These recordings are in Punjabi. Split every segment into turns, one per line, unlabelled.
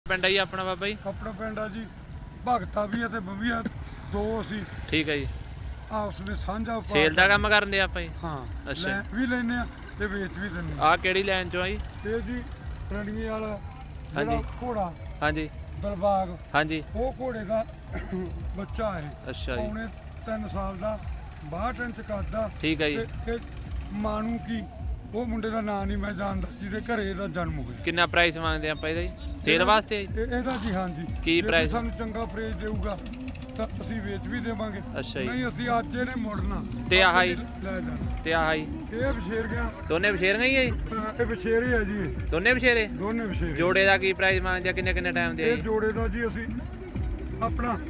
ਪਿੰਡ ਆ ਜੀ ਆਪਣਾ ਬਾਬਾ ਜੀ?
ਆਪਣਾ ਪਿੰਡ ਆ ਜੀ ਭਗਤਾ ਵੀ ਹੈ ਤੇ ਬੰਬੀਆ ਦੋ ਅਸੀਂ।
ਠੀਕ ਹੈ ਜੀ।
ਆਪਸ ਵਿੱਚ ਸਾਂਝਾ
ਸੇਲ ਦਾ ਕੰਮ ਕਰਦੇ ਆਪਾਂ ਜੀ?
ਹਾਂ।
ਅੱਛਾ
ਵੀ ਲੈਨੇ ਆ ਤੇ ਵੇਚ ਵੀ ਦਿੰਦੇ
ਆ। ਕਿਹੜੀ ਲਾਈਨ ਚੋਂ ਆ ਜੀ?
ਇਹ ਜੀ ਰਣੀਏ ਵਾਲਾ
ਹਾਂਜੀ
ਘੋੜਾ।
ਹਾਂਜੀ
ਬਲਬਾਗ।
ਹਾਂਜੀ
ਉਹ ਘੋੜੇ ਦਾ ਬੱਚਾ ਹੈ।
ਅੱਛਾ ਜੀ।
ਪੌਣੇ 3 ਸਾਲ ਦਾ 62 ਇੰਚ ਕੱਦ।
ਠੀਕ ਹੈ ਜੀ।
ਤੇ ਮਾਨੂ ਕੀ ਉਹ ਮੁੰਡੇ ਦਾ ਨਾਂ ਨਹੀਂ ਮੈਂ ਜਾਣਦਾ ਜਿਹਦੇ ਘਰੇ ਇਹਦਾ ਜਨਮ ਹੋਇਆ।
ਕਿੰਨਾ ਪ੍ਰਾਈਸ ਮੰਗਦੇ ਆਪਾਂ ਇਹਦਾ ਜੀ ਸੇਲ ਵਾਸਤੇ?
ਇਹਦਾ ਜੀ ਹਾਂਜੀ।
ਕੀ ਪ੍ਰਾਈਸ?
ਸਾਨੂੰ ਚੰਗਾ ਪ੍ਰਾਈਸ ਦੇਊਗਾ ਤਾਂ ਅਸੀਂ ਵੇਚ ਵੀ ਦੇਵਾਂਗੇ।
ਅੱਛਾ ਜੀ।
ਨਹੀਂ ਅਸੀਂ ਅੱਜ ਇਹਨੇ ਮੁੜਨਾ
ਤੇ ਆਹ ਜੀ?
ਲੈ ਜਾਣਾ।
ਤੇ ਆਹ ਜੀ?
ਇਹ ਬਸ਼ੇਰ ਗਿਆ।
ਦੋਨੇ ਬਸ਼ੇਰੀਆਂ ਹੀ ਆ ਜੀ?
ਇਹ ਬਸ਼ੇਰ ਹੀ ਆ ਜੀ।
ਦੋਨੇ ਬਸ਼ੇਰੇ?
ਦੋਨੇ ਬਸ਼ੇਰ।
ਜੋੜੇ ਦਾ ਕੀ ਪ੍ਰਾਈਸ ਮੰਗਦੇ ਆ? ਕਿੰਨੇ ਟਾਈਮ ਦੇ ਆ
ਇਹ
ਜੀ?
ਜੋੜੇ ਦਾ ਜੀ ਅਸੀਂ ਆਪਣਾ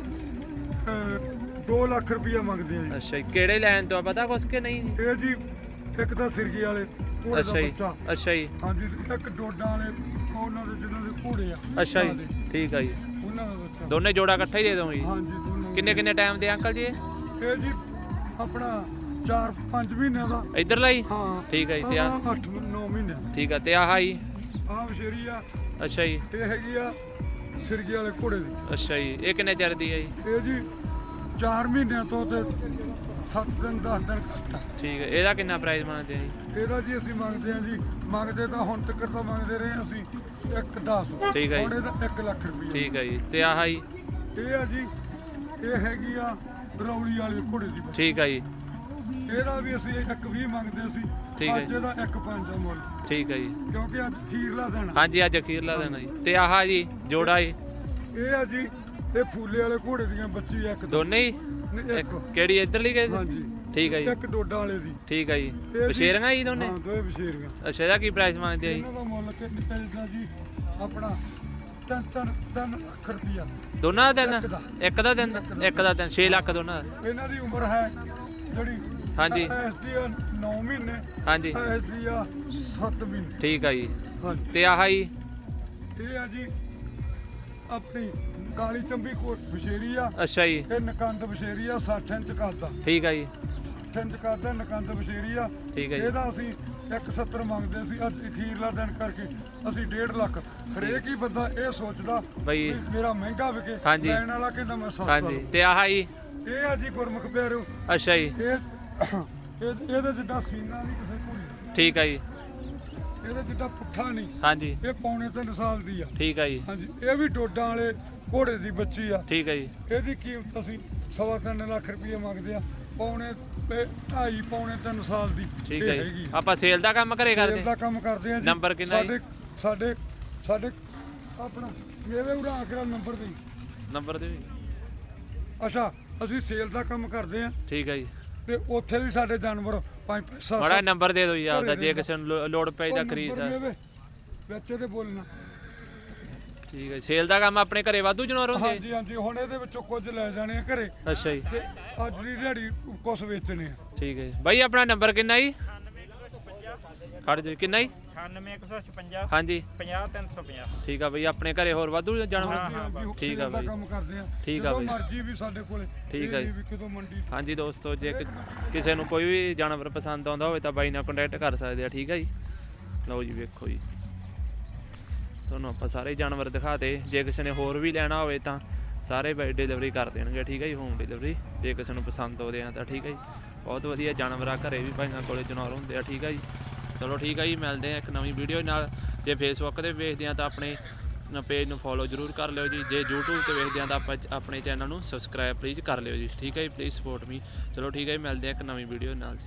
2 ਲੱਖ ਰੁਪਇਆ ਮੰਗਦੇ ਆ ਜੀ।
ਅੱਛਾ ਜੀ। ਕਿਹੜੇ ਲਾਈਨ ਤੋਂ ਆ ਪਤਾ ਕੁਛ ਕਿ ਨਹੀਂ ਜੀ?
ਇਹ ਜੀ ਇੱਕ ਤਾਂ ਸਿਰਗੀ ਵਾਲੇ ਘੋੜੇ ਦਾ
ਅੱਛਾ ਜੀ।
ਬੱਚਾ।
ਅੱਛਾ ਜੀ।
ਹਾਂਜੀ ਇੱਕ ਡੋਡਾ ਵਾਲੇ ਉਹਨਾਂ ਦੇ ਜਿਹਨਾਂ ਦੇ ਘੋੜੇ ਆ।
ਅੱਛਾ ਜੀ। ਠੀਕ ਆ ਜੀ।
ਉਹਨਾਂ ਦਾ ਬੱਚਾ।
ਦੋਨੇ ਜੋੜਾ ਇਕੱਠਾ ਹੀ ਦੇ ਦੋ ਜੀ?
ਹਾਂਜੀ ਦੋਨੇ।
ਕਿੰਨੇ ਟਾਈਮ ਦੇ ਅੰਕਲ ਜੀ
ਇਹ ਜੀ ਆਪਣਾ 4-5 ਮਹੀਨਿਆਂ ਦਾ।
ਇੱਧਰਲਾ ਜੀ?
ਹਾਂ
ਠੀਕ ਹੈ ਜੀ। ਤੇ ਆ
8-9 ਮਹੀਨਿਆਂ ਦਾ।
ਠੀਕ ਆ। ਤੇ ਆਹ ਜੀ?
ਆਹ ਬਸ਼ੇਰੀ ਆ।
ਅੱਛਾ ਜੀ।
ਇਹ ਹੈਗੀ ਆ ਸਿਰਗੀ ਵਾਲੇ ਘੋੜੇ ਦੀ।
ਅੱਛਾ ਜੀ। ਇਹ ਕਿੰਨੇ ਚਿਰ ਦੀ ਹੈ ਜੀ?
ਇਹ ਜੀ 4 ਮਹੀਨਿਆਂ ਤੋਂ ਤੇ 7 ਦਿਨ 10 ਦਿਨ ਘੱਟ ਆ।
ਠੀਕ ਹੈ। ਇਹਦਾ ਕਿੰਨਾ ਪ੍ਰਾਈਸ ਮੰਗਦੇ ਆ ਜੀ?
ਇਹਦਾ ਜੀ ਅਸੀਂ ਮੰਗਦੇ ਆ ਜੀ ਮੰਗਦੇ ਤਾਂ ਹੁਣ ਤੱਕ ਤਾਂ ਮੰਗਦੇ ਰਹੇ ਅਸੀਂ 1-10।
ਠੀਕ ਹੈ ਜੀ।
ਹੁਣ ਇਹਦਾ 1 ਲੱਖ ਰੁਪਏ।
ਠੀਕ ਹੈ ਜੀ। ਤੇ ਆਹ ਜੀ?
ਇਹ ਆ ਜੀ ਇਹ ਹੈਗੀ ਆ ਰੌਲੀ ਵਾਲੇ ਘੋੜੇ ਦੀ।
ਠੀਕ ਹੈ ਜੀ।
ਇਹਦਾ ਵੀ ਅਸੀਂ 1-20 ਮੰਗਦੇ ਸੀ।
ਠੀਕ ਹੈ
ਅੱਜ ਇਹਦਾ 1-5 ਦਾ ਮੁੱਲ।
ਠੀਕ ਹੈ ਜੀ।
ਕਿਉਂਕਿ ਅੱਜ ਅਖੀਰਲਾ ਦਿਨ ਆ।
ਹਾਂਜੀ ਅੱਜ ਅਖੀਰਲਾ ਦਿਨ ਆ ਜੀ। ਤੇ ਆਹ ਜੀ ਜੋੜਾ ਜੀ?
ਇਹ ਆ ਜੀ ਇਹ ਫੂਲੇ ਵਾਲੇ ਘੋੜੇ ਦੀਆਂ ਬੱਚੀ ਆ। ਇੱਕ
ਦੋਨੇ ਹੀ?
ਇੱਕ
ਕਿਹੜੀ ਇੱਧਰਲੀ ਗਏ?
ਹਾਂਜੀ।
ਠੀਕ ਹੈ ਜੀ।
ਇੱਕ ਡੋਡਾ ਵਾਲੇ ਦੀ।
ਠੀਕ ਹੈ ਜੀ। ਬਸ਼ੇਰੀਆਂ ਜੀ ਦੋਨੇ?
ਹਾਂ ਦੋਵੇਂ ਬਸ਼ੇਰੀਆਂ।
ਅੱਛਾ ਇਹਦਾ ਕੀ ਪ੍ਰਾਈਸ ਮੰਗਦੇ ਆ ਜੀ?
ਇਹਨਾਂ ਦਾ ਮੁੱਲ ਕਿੰਨਾ ਜੀ ਆਪਣਾ 3 ਲੱਖ ਰੁਪਇਆ।
ਦੋਨਾਂ ਦਾ ਦਿਨ? ਇੱਕ ਦਾ ਦਿਨ? 6 ਲੱਖ ਦੋਨਾਂ ਦਾ?
ਇਹਨਾਂ ਦੀ ਉਮਰ ਹੈ ਜਿਹੜੀ
ਹਾਂਜੀ।
ਇਸ ਦੀ 9 ਮਹੀਨੇ।
ਹਾਂਜੀ।
ਇਸ ਦੀ 7 ਮਹੀਨੇ।
ਠੀਕ ਆ ਜੀ।
ਹਾਂਜੀ।
ਤੇ ਆਹ ਜੀ?
ਇਹ ਆ ਜੀ ਆਪਣੀ ਕਾਲੀ ਚੰਬੀ ਕੋਟ ਬਸ਼ੇਰੀ ਆ।
ਅੱਛਾ ਜੀ।
ਇਹ ਨਕੰਦ ਬਸ਼ੇਰੀ ਆ 60 ਇੰਚ ਕੱਦ।
ਠੀਕ ਆ ਜੀ।
60 ਇੰਚ ਕੱਦ ਨਕੰਦ ਬਸ਼ੇਰੀ ਆ।
ਠੀਕ ਹੈ ਜੀ।
ਇਹਦਾ ਅਸੀਂ 170 ਮੰਗਦੇ ਸੀ। ਅੱਜ ਅਖੀਰਲਾ ਦਿਨ ਕਰਕੇ ਅਸੀਂ 1.5 ਲੱਖ। ਹਰੇਕ ਹੀ ਬੰਦਾ ਇਹ ਸੋਚਦਾ
ਬਈ
ਮੇਰਾ ਮਹਿੰਗਾ ਵਿਕੇ।
ਹਾਂਜੀ।
ਲੈਣ ਵਾਲਾ ਕਹਿੰਦਾ ਮੈਂ ਸਸਤਾ
ਹਾਂਜੀ।
ਲਵਾਂ।
ਤੇ ਆਹ ਜੀ?
ਇਹ ਆ ਜੀ ਗੁਰਮੁਖ ਪਿਆਰਿਓ।
ਅੱਛਾ ਜੀ।
ਇਹਦੇ ਜਿੱਦਾਂ ਸੀਨਾ ਨਹੀਂ ਕਿਸੇ ਘੋੜੀ।
ਠੀਕ ਆ ਜੀ।
ਇਹਦੇ ਜਿੱਦਾਂ ਪੁੱਠਾ ਨਹੀਂ।
ਹਾਂਜੀ।
ਇਹ ਪੌਣੇ 3 ਸਾਲ ਦੀ ਆ।
ਠੀਕ ਆ ਜੀ।
ਹਾਂਜੀ। ਇਹ ਵੀ ਡੋਡਾਂ ਵਾਲੇ ਘੋੜੇ ਦੀ ਬੱਚੀ ਆ।
ਠੀਕ ਆ ਜੀ।
ਇਹਦੀ ਕੀਮਤ ਅਸੀਂ 3.25 ਲੱਖ ਰੁਪਏ ਮੰਗਦੇ ਆ। ਪੌਣੇ 3 ਸਾਲ ਦੀ
ਠੀਕ
ਇਹ
ਹੈ
ਹੈਗੀ
ਜੀ। ਆਪਾਂ ਸੇਲ ਦਾ ਕੰਮ ਘਰੇ ਕਰਦੇ?
ਸੇਲ ਦਾ ਕੰਮ ਕਰਦੇ ਆ ਜੀ।
ਨੰਬਰ ਕਿੰਨਾ ਜੀ?
ਸਾਡੇ ਆਪਣਾ ਮੇਰੇ ਉਰਾ ਕੇ ਨੰਬਰ ਦੇ।
ਨੰਬਰ ਦੇ?
ਅੱਛਾ ਅਸੀਂ ਸੇਲ ਦਾ ਕੰਮ ਕਰਦੇ ਆ।
ਠੀਕ ਹੈ ਜੀ।
ਤੇ ਉੱਥੇ ਵੀ ਸਾਡੇ ਜਾਨਵਰ 5-7
ਮਾੜਾ ਨੰਬਰ ਦੇ ਦਿਓ ਜੀ ਆਪਦਾ ਜੇ ਕਿਸੇ ਨੂੰ ਲੋੜ ਪਈ ਤਾਂ ਖਰੀਦ ਸਕਦਾ।
ਬੱਚੇ ਤੇ ਬੋਲਣਾ।
ਠੀਕ ਹੈ। ਸੇਲ ਦਾ ਕੰਮ ਆਪਣੇ ਘਰੇ ਵਾਧੂ ਜਾਨਵਰ ਹੁੰਦੇ?
ਹਾਂਜੀ ਹਾਂਜੀ। ਹੁਣ ਇਹਦੇ ਵਿੱਚੋਂ ਕੁਝ ਲੈ ਜਾਣੇ ਆ ਘਰੇ।
ਅੱਛਾ ਜੀ।
ਤੇ ਅੱਜ ਦੀ ਦਿਹਾੜੀ ਕੁਝ ਵੇਚਣੇ ਆ।
ਠੀਕ ਹੈ ਜੀ। ਬਾਈ ਆਪਣਾ ਨੰਬਰ ਕਿੰਨਾ ਜੀ? ਖੜ ਜਾ। ਕਿੰਨਾ ਜੀ?
98156।
ਹਾਂਜੀ।
50350।
ਠੀਕ ਆ ਬਈ। ਆਪਣੇ ਘਰੇ ਹੋਰ ਵਾਧੂ ਜਾਨਵਰ? ਠੀਕ ਆ
ਸੇਲ ਦਾ
ਬਈ।
ਕੰਮ ਕਰਦੇ ਆ।
ਠੀਕ ਆ
ਜਦੋਂ
ਬਈ।
ਮਰਜ਼ੀ ਵੀ ਸਾਡੇ ਕੋਲੇ।
ਠੀਕ ਆ ਜੀ।
ਵੀ ਕਿਤੋਂ ਮੰਡੀ।
ਹਾਂਜੀ ਦੋਸਤੋ ਜੇ ਕਿਸੇ ਨੂੰ ਕੋਈ ਵੀ ਜਾਨਵਰ ਪਸੰਦ ਆਉਂਦਾ ਹੋਵੇ ਤਾਂ ਬਾਈ ਨਾਲ ਕੰਟੈਕਟ ਕਰ ਸਕਦੇ ਆ। ਠੀਕ ਆ ਜੀ। ਲਓ ਜੀ ਵੇਖੋ ਜੀ ਤੁਹਾਨੂੰ ਆਪਾਂ ਸਾਰੇ ਜਾਨਵਰ ਦਿਖਾਤੇ। ਜੇ ਕਿਸੇ ਨੇ ਹੋਰ ਵੀ ਲੈਣਾ ਹੋਵੇ ਤਾਂ ਸਾਰੇ ਬਾਈ ਡਿਲੀਵਰੀ ਕਰ ਦੇਣਗੇ। ਠੀਕ ਹੈ ਜੀ। ਹੋਮ ਡਿਲੀਵਰੀ ਜੇ ਕਿਸੇ ਨੂੰ ਪਸੰਦ ਆਉਂਦੇ ਆ ਤਾਂ। ਠੀਕ ਹੈ ਜੀ। ਬਹੁਤ ਵਧੀਆ ਜਾਨਵਰ ਆ। ਘਰੇ ਵੀ ਭਾਈਆਂ ਕੋਲੇ ਜਾਨਵਰ ਹੁੰਦੇ ਆ। ਠੀਕ ਹੈ ਜੀ। ਚਲੋ ਠੀਕ ਹੈ ਜੀ। ਮਿਲਦੇ ਆ ਇੱਕ ਨਵੀਂ ਵੀਡੀਓ ਨਾਲ। ਜੇ ਫੇਸਬੁੱਕ 'ਤੇ ਵੇਖਦੇ ਆ ਤਾਂ ਆਪਣੇ ਪੇਜ ਨੂੰ ਫੋਲੋ ਜ਼ਰੂਰ ਕਰ ਲਿਓ ਜੀ। ਜੇ YouTube 'ਤੇ ਵੇਖਦੇ ਆ ਤਾਂ ਆਪਾਂ ਆਪਣੇ ਚੈਨਲ ਨੂੰ ਸਬਸਕ੍ਰਾਈਬ ਪਲੀਜ਼ ਕਰ ਲਿਓ ਜੀ। ਠੀਕ ਹੈ ਜੀ। Please support me. ਚਲੋ ਠੀਕ ਹੈ ਜੀ। ਮਿਲਦੇ ਆ ਇੱਕ ਨਵੀਂ ਵੀਡੀਓ ਨਾਲ ਜੀ।